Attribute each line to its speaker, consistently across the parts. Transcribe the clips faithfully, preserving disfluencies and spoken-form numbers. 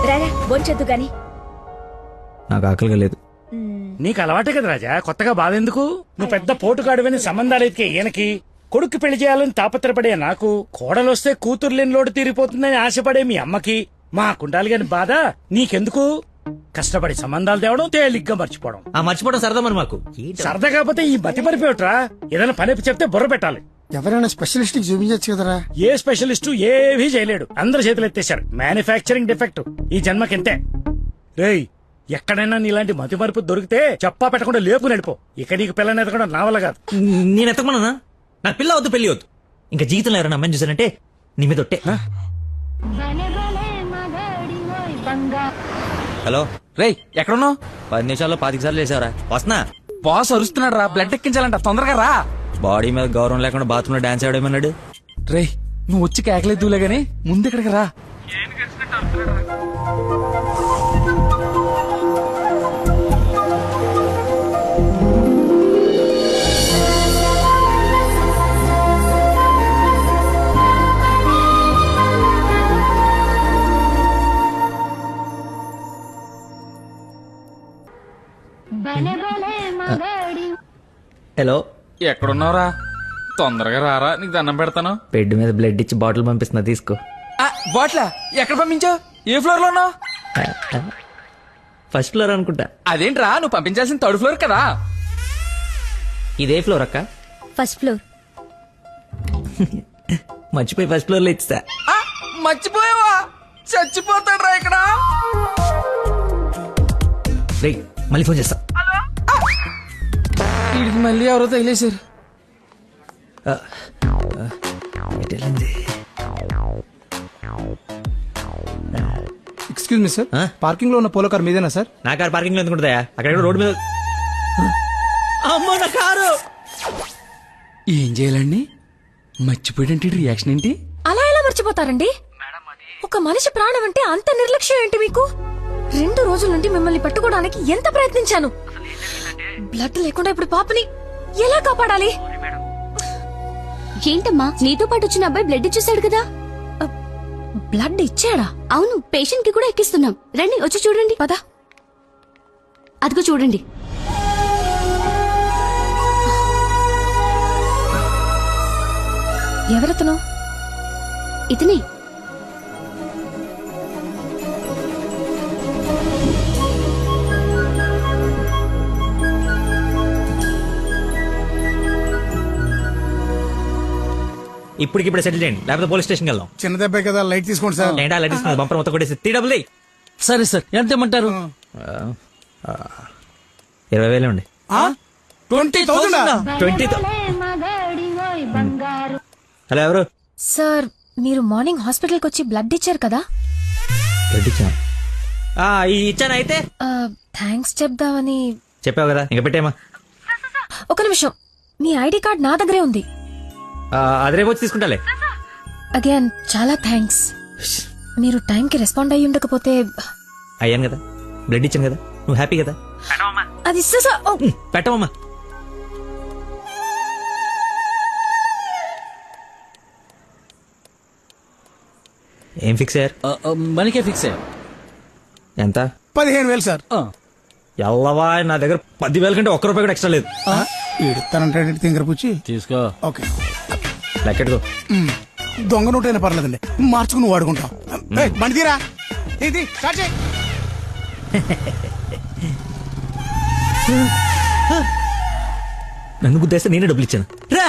Speaker 1: రారా బొంచొద్దు గాని.
Speaker 2: నాకు ఆకలిగా లేదు.
Speaker 3: నీకు అలవాటే కదా రాజా, కొత్తగా బాధెందుకు? నువ్వు పెద్ద పోటుగాడువని సంబంధాలు ఎతికే ఈయనకి, కొడుకు పెళ్లి చేయాలని తాపత్రపడే నాకు, కోడలొస్తే కూతురు లేని లోటు తీరిపోతుందని ఆశపడే మీ అమ్మకి, మా కుండాలి గాని బాధ నీకెందుకు? కష్టపడి సంబంధాలు తేవడం, తేలిగ్గా మర్చిపోవడం.
Speaker 2: ఆ మర్చిపోవడం సరదా మరి మాకు.
Speaker 3: సరదా కాకపోతే ఈ బతి మరిపోయట్రా. ఏదైనా పని చెప్తే బుర్ర పెట్టాలి.
Speaker 4: ఎవరైనా స్పెషలిస్ట్ కి చూపించచ్చు కదరా.
Speaker 3: ఏ స్పెషలిస్టు ఏవీ చేయలేడు, అందరు చేతులు ఎత్తేశారు. మ్యానుఫ్యాక్చరింగ్ డిఫెక్ట్ ఈ జన్మకింతే. రేయ్, ఎక్కడైనా నీలాంటి మతి మరుపు దొరికితే చెప్పా పెట్టకుండా లేపు నడిపో. ఇక నీకు పిల్లని ఎదగడం నా వల్ల కాదు.
Speaker 2: నేను ఎత్తకమన్నా? నాకు పిల్ల వద్దు, పెళ్లి వద్దు. ఇంకా జీవితంలో ఎవరైనా అమ్మాయిని చూసానంటే నీ మీద ఒట్టే. హలో
Speaker 5: రేయ్, ఎక్కడున్నావు?
Speaker 2: పది నిమిషాల్లో పాతిక సార్లు వేసావరా? వస్తున్నా.
Speaker 5: బాస్ అరుస్తున్నాడు రా, బ్లడ్ ఎక్కించాలంట, తొందరగా రా.
Speaker 2: బాడీ మీద గౌరవం లేకుండా బాత్రూమ్ లో డాన్స్ ఆడేమన్నాడు.
Speaker 5: రేయ్, నువ్వు వచ్చి కేకలేదులే గానీ ముందు ఇక్కడికి రా.
Speaker 2: హలో,
Speaker 5: ఎక్కడున్నావురా? తొందరగా రారా, నీకు దండం పెడతాను.
Speaker 2: బెడ్ మీద బ్లడ్ ఇచ్చి బాటిల్ పంపిస్తున్నా, తీసుకో.
Speaker 5: బాట్లా ఎక్కడ పంపించావు? ఏ ఫ్లోర్ లో ఉన్నావు?
Speaker 2: ఫస్ట్ ఫ్లోర్ అనుకుంటా.
Speaker 5: అదేంట్రా, నువ్వు పంపించాల్సిన థర్డ్ ఫ్లోర్ కదా.
Speaker 2: ఇదే ఫ్లోర్ అక్క.
Speaker 1: First floor.
Speaker 2: మర్చిపోయి ఫస్ట్ ఫ్లోర్ లో ఇచ్చా.
Speaker 5: ఆ, మర్చిపోయావా? చచ్చిపోతాడు రా ఇక్కడ.
Speaker 2: రేయ్, మళ్ళీ ఫోన్ చేస్తా.
Speaker 5: వీడికి మళ్ళీ ఎవరో తగిలేశారు.
Speaker 4: ఎక్స్క్యూజ్ మీ సార్,
Speaker 2: ఆ?
Speaker 4: పార్కింగ్ లో ఉన్న పోలో కార్ మీదేనా సార్?
Speaker 2: నా కారు పార్కింగ్ లో ఎందుకుంటుందా? అక్కడ రోడ్డు మీద. అమ్మో, నా కారు.
Speaker 5: ఏం చేయాలండి? మర్చిపోయాడంటే రియాక్షన్ ఏంటి?
Speaker 1: అలా ఎలా మర్చిపోతారండి? ఒక మనిషి ప్రాణం అంటే అంత నిర్లక్ష్యం ఏంటి మీకు? రెండు రోజుల నుండి మిమ్మల్ని పట్టుకోవడానికి ఎంత ప్రయత్నించాను. బ్లడ్ లేకుండా ఇప్పుడు పాపని ఎలా కాపాడాలి?
Speaker 6: ఏంటమ్మా, నీతో పాటు వచ్చిన అబ్బాయి బ్లడ్ ఇచ్చేసాడు కదా.
Speaker 1: బ్లడ్ ఇచ్చాడా?
Speaker 6: అవును, పేషెంట్ కి కూడా ఎక్కిస్తున్నాం. రండి, వచ్చి చూడండి.
Speaker 1: పద.
Speaker 6: అదిగో చూడండి.
Speaker 1: ఎవరతను?
Speaker 6: ఇతనే.
Speaker 2: ఇప్పటికిప్పుడు సెటిల్ చేయండి, లేకపోతే పోలీస్ స్టేషన్ వెళ్దాం.
Speaker 4: చిన్న దెబ్బే కదా, లైట్ తీసుకోండి సార్.
Speaker 2: ఏంటా లైట్ ఇస్తుంది? బంపర్ మొత్తం కొట్టేసి త్రీ డబుల్
Speaker 5: సరే సార్, ఎంత ఇమ్మంటారు?
Speaker 2: ఇరవై వేలు అండి.
Speaker 4: Twenty thousand
Speaker 2: twenty. హలో, ఎవరు?
Speaker 1: సార్, మీరు మార్నింగ్ హాస్పిటల్కి వచ్చి బ్లడ్ ఇచ్చారు కదా.
Speaker 2: బ్లడ్ ఇచ్చాను. ఇచ్చాను. అయితే
Speaker 1: థ్యాంక్స్ చెప్దామని.
Speaker 2: చెప్పావు కదా, ఇంకా పెట్టేమా.
Speaker 1: ఒక నిమిషం, మీ ఐడి కార్డ్ నా దగ్గరే ఉంది.
Speaker 2: అది రేపు వచ్చి తీసుకుంటాలే.
Speaker 1: అగైన్ చాలా థ్యాంక్స్. మీరు టైంకి రెస్పాండ్ అయ్యి ఉండకపోతే.
Speaker 2: అయ్యాను కదా, బ్లడ్ ఇచ్చాను కదా, నువ్వు హ్యాపీ కదా.
Speaker 1: అది స- ఓ,
Speaker 2: పెట్టవమ్మా. ఏం ఫిక్స్ అయ్యారు?
Speaker 5: మనకే ఫిక్స్ అయ్యా.
Speaker 2: ఎంత?
Speaker 4: పదిహేను వేలు సార్.
Speaker 2: ఎల్లవా, నా దగ్గర పదివేల కంటే ఒక్క రూపాయి కూడా ఎక్స్ట్రా లేదు.
Speaker 4: ఇడతానంటే తింగర పుచ్చి
Speaker 5: తీసుకో.
Speaker 4: ఓకే,
Speaker 2: లెక్కెట్టుకో.
Speaker 4: దొంగ నోట్ అయినా పర్లేదండి, మార్చుకుని వాడుకుంటాం. బండి తీరా, ఇది స్టార్ట్ చేయి.
Speaker 2: నన్ను గుద్దేస్తే నేనే డబ్బులు ఇచ్చాను.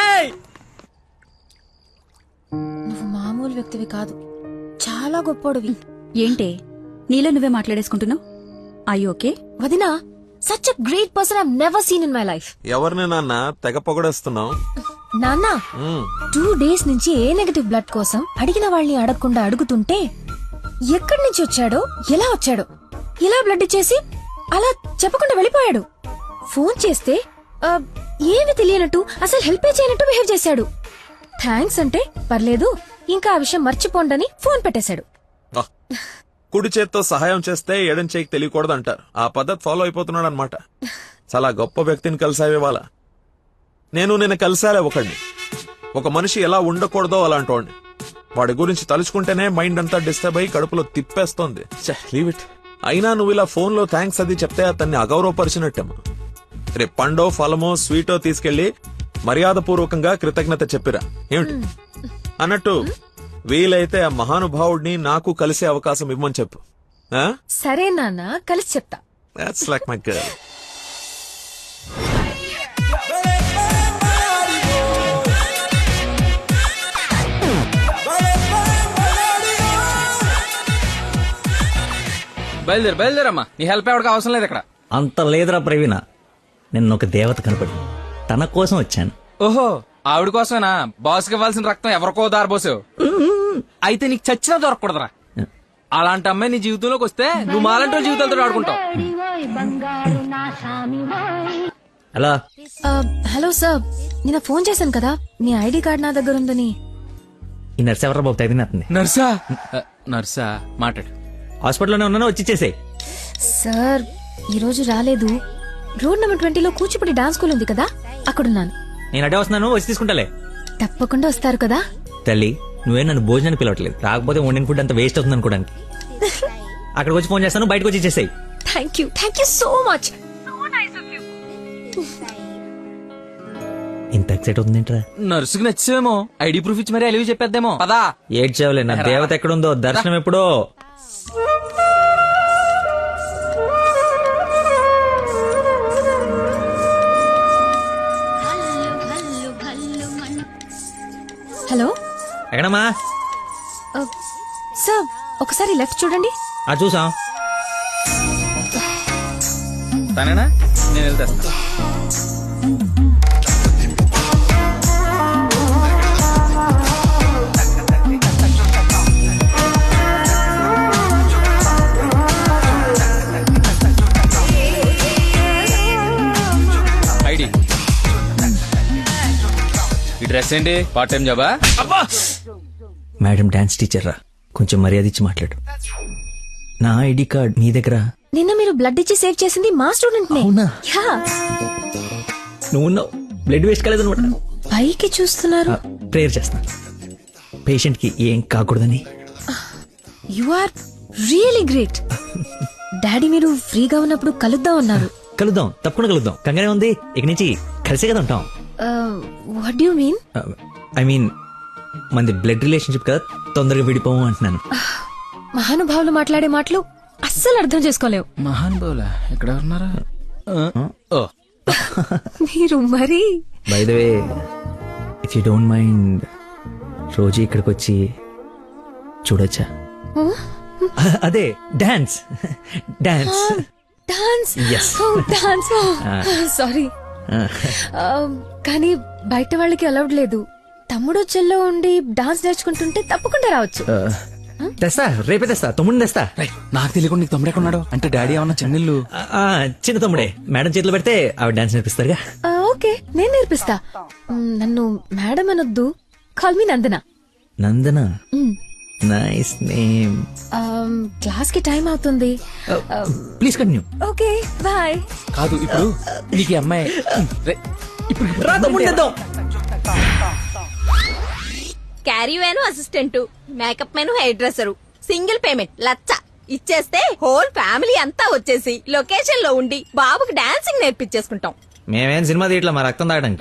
Speaker 1: నువ్వు మామూలు వ్యక్తివి కాదు, చాలా గొప్పోడివి.
Speaker 6: ఏంటే నీలో నువ్వే మాట్లాడేసుకుంటున్నావు? I okay?
Speaker 1: వదినా, such a great person I never seen in my life.
Speaker 7: ఎవరిని నాన్న తెగ పొగడేస్తున్నావు?
Speaker 1: నాన్న, టూ డేస్ నుంచి ఏ నెగటివ్ బ్లడ్ కోసం అడిగిన వాళ్ళని అడగకుండా అడుగుతుంటే ఎక్కడి నుంచి వచ్చాడో, ఎలా వచ్చాడో, ఇలా బ్లడ్ ఇచ్చేసి అలా చెప్పకుండా వెళ్ళిపోయాడు. ఫోన్ చేస్తే ఆ, ఏమి తెలియనట్టు, అసలు హెల్ప్ చేయనట్టు బిహేవ్ చేశాడు. థ్యాంక్స్ అంటే పర్లేదు, ఇంకా ఆ విషయం మర్చిపోండని ఫోన్ పెట్టేశాడు.
Speaker 7: కుడి చేత్తో సహాయం చేస్తే ఎడం చేయికి తెలియకూడదు అంటారు. ఆ పద్ధతి ఫాలో అయిపోతున్నాడు అనమాట. చాలా గొప్ప వ్యక్తిని కలిసావే వాళ్ళ. నేను నిన్న కలిసాలే ఒకడిని. ఒక మనిషి ఎలా ఉండకూడదో అలాంటి వాడిని. వాడి గురించి తలుచుకుంటేనే మైండ్ అంతా డిస్టర్బ్ అయ్యి కడుపులో తిప్పేస్తోంది. Leave it. అయినా నువ్వు ఇలా ఫోన్ లో థ్యాంక్స్ అది చెప్తే అతన్ని అగౌరవపరిచినట్టేమో. రేపు పండో ఫలమో స్వీటో తీసుకెళ్లి మర్యాద పూర్వకంగా కృతజ్ఞత చెప్పిరా. ఏమిటి అన్నట్టు వీలైతే ఆ మహానుభావుడిని నాకు కలిసే అవకాశం ఇవ్వమని చెప్పు.
Speaker 1: సరే నాన్న, కలిసి చెప్తా.
Speaker 7: That's like my girl.
Speaker 5: బయలుదేరు బయలుదేరమ్మా, నీ హెల్ప్ ఎవరికి అవసరం లేదు ఇక్కడ.
Speaker 2: అంత లేదురా ప్రవీణ, నిన్న ఒక దేవత కనపడి తన కోసం వచ్చాను.
Speaker 5: ఓహో, ఆవిడ కోసమేనా బాస్కి ఇవ్వాల్సిన రక్తం ఎవరికో దారబోసావు? అయితే నీకు చచ్చినా దొరకకూడదురా. అలాంటి అమ్మాయి నీ జీవితంలోకి వస్తే నువ్వు మాలంటి వాళ్ళ జీవితాలతో ఆడుకుంటావు.
Speaker 2: హలో
Speaker 1: హలో సార్, నిన్న ఫోన్ చేశాను కదా, మీ ఐడి కార్డ్ నా దగ్గర ఉందని.
Speaker 2: ఈ నర్స్ ఎవరా బాబు తగినట్టుంది?
Speaker 5: నర్సా? నర్సా మాట్లాడు.
Speaker 2: హాస్పిటల్లోనే ఉన్నాను, వచ్చి ఇచ్చేసేయ్.
Speaker 1: సార్ ఈ రోజు రాలేదు. రోడ్ నెంబర్ ట్వంటీలో కూచిపూడి డాన్స్ స్కూల్ ఉంది కదా, అక్కడున్నాను.
Speaker 2: నేను అడే వస్తున్నాను, వచ్చి తీసుకుంటాలే.
Speaker 1: తప్పకుండా వస్తారు కదా.
Speaker 2: తల్లి, నువ్వే నన్ను భోజనానికి పిలవట్లేదు, రాకపోతే వండిన ఫుడ్ అంత వేస్ట్ అవుతుంది అనుకోడానికి. అక్కడికి వచ్చి ఫోన్ చేస్తాను, బయటకు వచ్చి ఇచ్చేసేయ్.
Speaker 1: Thank you thank you so much.
Speaker 2: ఇంత ఎక్సైట్ అవుతుంది ఏంట్రా?
Speaker 5: నర్సుకి నచ్చేమో, ఐడి ప్రూఫ్ ఇచ్చి మరీ అలివి చెప్పేద్దేమో. పదా
Speaker 2: ఏడ్చేవలే, నా దేవత ఎక్కడుందో దర్శనం ఎప్పుడో.
Speaker 1: హలో
Speaker 2: ఎక్కడమ్మా?
Speaker 1: సార్ ఒకసారి లెఫ్ట్ చూడండి.
Speaker 2: ఆ చూసాం.
Speaker 5: తనేనా? నేను వెళ్తా. ఐడి, ఈ డ్రెస్ ఏంటి? పార్ట్ టైం జాబా?
Speaker 2: మేడం డాన్స్ టీచర్ రా, కొంచెం మర్యాద ఇచ్చి మాట్లాడు. నా ఐడి కార్డ్ నీ దగ్గర.
Speaker 1: నిన్న మీరు బ్లడ్ ఇచ్చి సేవ్ చేసింది మా స్టూడెంట్ నే.
Speaker 2: అవునా?
Speaker 1: యా.
Speaker 2: నువ్వు బ్లడ్ వేస్ట్ కాలేదు అనమాట.
Speaker 1: పైకి చూస్తున్నారు.
Speaker 2: ప్రేయర్ చేస్తా, పేషెంట్ కి ఏం కాకూడదని.
Speaker 1: You are really great. Daddy మీరు ఫ్రీగా ఉన్నప్పుడు కలుద్దాం అన్నారు.
Speaker 2: కలుద్దాం, తప్పకుండా కలుద్దాం. కంగానే ఉంది, ఇక నుంచి కలిసే కదా ఉంటాం.
Speaker 1: What you mean?
Speaker 2: I mean మనది బ్లడ్ రిలేషన్షిప్ కదా, తొందరగా విడిపోము అంటున్నాను.
Speaker 1: మహానుభావులు మాట్లాడే మాటలు అస్సలు అర్థం చేసుకోలేవు.
Speaker 5: మహాన్ బౌలా ఎక్కడ ఉన్నారా?
Speaker 1: మీరు మరి.
Speaker 2: By the way, if you don't mind, రోజు ఇక్కడికి వచ్చి చూడొచ్చా? అదే dance dance
Speaker 1: dance.
Speaker 2: Yes.
Speaker 1: Dance. Sorry, కానీ బయట వాళ్ళకి అలౌడ్ లేదు. తమ్ముడు చెల్లో ఉండి డాన్స్ నేర్చుకుంటుంటే తప్పకుండా రావచ్చు.
Speaker 2: తెస్తా, రేపే తెస్తా, తమ్ముడిని తెస్తా.
Speaker 5: నాకు తెలియకుండా నీకు తమ్ముడు ఎక్కడున్నాడు? అంటే డాడీ ఏమన్నా చెన్నెళ్ళు?
Speaker 2: ఆ, చిన్న తమ్ముడే, మేడం చేతిలో పెడితే ఆవిడ డాన్స్ నేర్పిస్తారుగా.
Speaker 1: ఆ, ఓకే, నేను నేర్పిస్తా. మ్, నన్ను మేడం అనొద్దు, call me Nandana.
Speaker 2: Nandana, nice name.
Speaker 1: Class కి టైం అవుతుంది.
Speaker 2: Please continue.
Speaker 1: Okay bye.
Speaker 5: కాదు, ఇప్పుడు నీకు ఈ అమ్మాయి రే, ఇప్పుడు
Speaker 2: రా తమ్ముడు తెద్దాం.
Speaker 8: Caravan assistant, makeup man hair dresser, single payment లచ్చ ఇచ్చేస్తే హోల్ ఫ్యామిలీ అంతా వచ్చేసి లొకేషన్ లో ఉండి బాబుకి డాన్సింగ్ నేర్పించేసుకుంటాం.
Speaker 2: మేమేం సినిమా తీయట్లా, మా రక్తం తాగడానికి.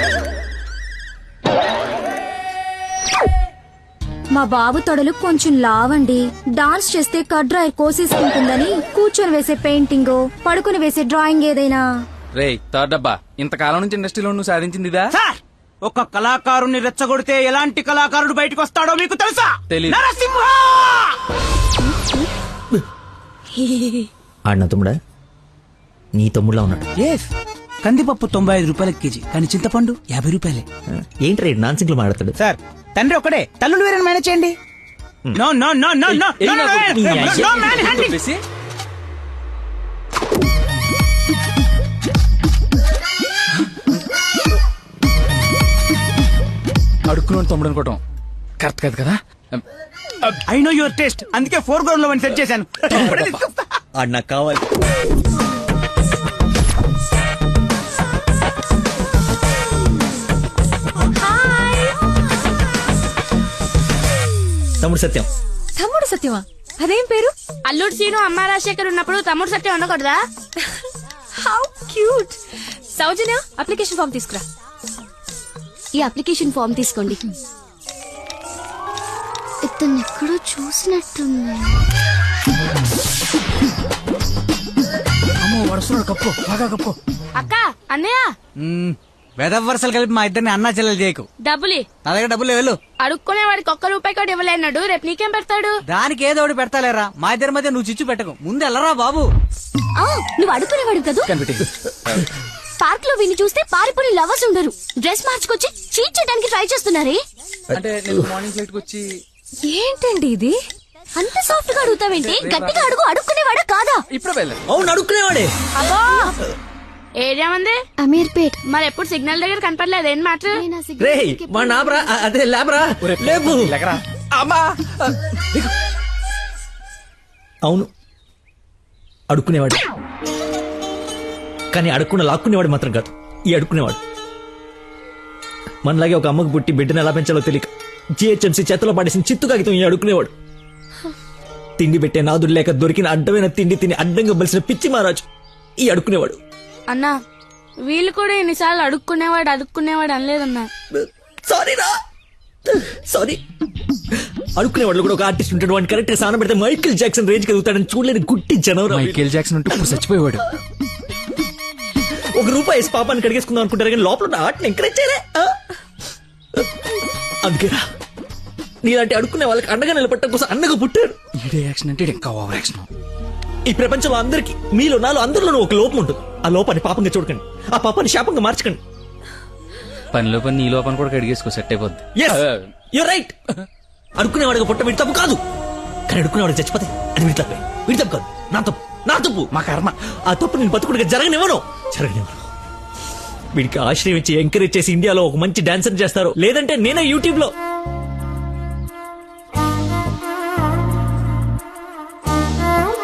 Speaker 6: మా బాబు తొడలు కొంచెం లావండి. డాన్స్ చేస్తే కడ్రాయర్ కోసేసుకుంటుందని కూర్చొని వేసే పెయింటింగ్, పడుకుని వేసే డ్రాయింగ్ ఏదైనా.
Speaker 5: రే థర్డ్ డబ్బా, ఇంతకాలం నుంచి ఇండస్ట్రీలో నువ్వు సాధించింది ఇదా?
Speaker 4: సార్, ఒక కళాకారుని రెచ్చగొడితే ఎలాంటి కళాకారుడు బయటకు వస్తాడో మీకు తెలుసా?
Speaker 5: తెలీదు.
Speaker 4: నరసింహ!
Speaker 2: ఆడిన తమ్ముడా? నీ తమ్ముడులా ఉన్నాడు.
Speaker 4: ఎస్, కందిపప్పు తొంభై ఐదు రూపాయల కేజీ, కానీ చింతపండు యాభై రూపాయలే.
Speaker 2: ఏంటి రేట్ నాన్ సింగ్లు మాట్లాడతాడు?
Speaker 4: సార్, తండ్రి ఒకడే, తల్లులు వేరే మేనేజ్ చేయండి. No no no no no no no man handing.
Speaker 5: చెప్పేసి అడుక్కున్నాడు తమ్ముడు అనుకోవటం కరెక్ట్ కాదు కదా.
Speaker 4: ఐ నో యువర్ టేస్ట్, అందుకే ఫోర్ గ్రౌండ్ లో వన్ సెట్ చేశాను.
Speaker 2: ఆడు నాకు కావాలి. తమ్ముడు సత్యం.
Speaker 1: తమ్ముడు సత్యమా? అదేం పేరు?
Speaker 9: అల్లుడు సీను అమ్మ రాజశేఖర్ ఉన్నప్పుడు తమ్ముడు సత్యం ఉండకూడదా?
Speaker 1: How cute. Soujanya, application form తీసుకురా.
Speaker 6: ఈ అప్లికేషన్ ఫామ్ తీసుకోండి. ఇతను ఎక్కడో చూసినట్టుంది.
Speaker 4: అమ్మో వరుసలో కప్పు బాగా కప్పు.
Speaker 9: అక్క అన్నయ్య
Speaker 10: వెదవ వరుసలు కలిపి మా ఇద్దరిని అన్నా చెల్లెలు చేయకు.
Speaker 9: డబ్బులి
Speaker 10: నా దగ్గర డబ్బులు వెళ్ళు.
Speaker 9: అడుక్కునే వాడికి ఒక్క రూపాయి కూడా ఇవ్వలేనాడు. రేపు నీకేం పెడతాడు?
Speaker 10: దానికి ఏదో ఒకటి పెడతాలేరా. మా ఇద్దరి మధ్య నువ్వు చిచ్చు పెట్టకు. ముందు వెళ్ళరా బాబు.
Speaker 6: ఆ, నువ్వు అడుగునేవాడు కదా. పార్క్ లో విని చూస్తే పారిపోయి లవర్స్ ఉండరు. డ్రెస్ మార్చుకొచ్చి చీట్ చేయడానికి ట్రై చేస్తున్నారే.
Speaker 5: అంటే నేను మార్నింగ్ ఫ్లైట్ వచ్చి
Speaker 1: ఏంటండి ఇది?
Speaker 6: అంత సాఫ్ట్ గా అడుగుతావేంటి? గట్టిగా అడుగు. అడుక్కునేవాడా కాదా?
Speaker 5: ఇప్పుడే వెళ్ళాను.
Speaker 2: అవును అడుక్కునేవాడే.
Speaker 9: అబ్బో ఏరియా మంది
Speaker 6: అమీర్పేట్.
Speaker 9: మరి ఎప్పుడు సిగ్నల్ దగ్గర కనపడలేదు. ఏం మాట?
Speaker 2: రే మా నాబరా అదే లేబరా లేపు.
Speaker 5: అమ్మా
Speaker 2: అవును అడుక్కునేవాడు, కానీ అడుక్కున్న లాక్కునేవాడు మాత్రం కాదు ఈ అడుక్కునేవాడు. మనలాగే ఒక అమ్మకు పుట్టి బిడ్డను ఎలా పెంచాలో తెలియక జిహెచ్ఎంసీ చేతిలో పడేసిన చిత్తు కాగితం ఈ అడుక్కునేవాడు. తిండి పెట్టే నాదుడు లేక దొరికిన అడ్డమైన తిండి తిని అడ్డంగా బలిసిన పిచ్చి మహారాజు ఈ అడుక్కునేవాడు.
Speaker 9: అన్నా వీళ్ళు కూడా ఎన్నిసార్లు అడుక్కునేవాడు అడుక్కునేవాడు అనలేదన్నా.
Speaker 2: సారీ రా సారీ. అడుక్కునేవాడు కూడా ఒక ఆర్టిస్ట్ ఉంటాడు. వాడిని కరెక్ట్ గా సాన పెడితే మైకేల్ జాక్సన్ రేంజ్ కలుగుతాడని చూడలేని గుట్టి జనవరం.
Speaker 5: మైకేల్ జాక్సన్ ఉంటూ ఇప్పుడు చచ్చిపోయేవాడు.
Speaker 2: ఒక రూపాయి వేసి పాపాన్ని కడిగేసుకుందాం అనుకుంటారు కానీ లోపల ఉన్న ఆర్ట్ని ఎంకరేజ్ చేయలే. అందుకేరా నీలాంటి అడుక్కునే వాళ్ళకి అండగా నిలబట్టడం కోసం అన్నగా పుట్టారు.
Speaker 5: యాక్షన్ అంటే ఇంకా ఓవర్ యాక్షన్.
Speaker 2: ఈ ప్రపంచంలో అందరికి మీలో నాలో అందరిలోనూ ఒక లోపం ఉంటుంది. ఆ లోపాన్ని పాపంగా చూడకండి, ఆ పాపాన్ని శాపంగా మార్చకండి.
Speaker 5: పనిలో పని నీ లోపల కూడా కడిగేసుకో సెట్ అయిపోద్ది.
Speaker 2: You right. అడుక్కునేవాడిగా పుట్ట వీడి తప్పు కాదు, కానీ అడుక్కునేవాడికి చచ్చిపోతే అది వీడి తప్పే. వీడి తప్పు కాదు, నా తప్పు, నా తప్పు, మా కర్మ. ఆ తప్పు నేను బతుకుడిగా జరగనివ్వను జరగనివ్వను. వీడికి ఆశ్రయం ఇచ్చి ఎంకరేజ్ చేసి ఇండియాలో ఒక మంచి డాన్సర్ చేస్తారు, లేదంటే నేనే యూట్యూబ్ లో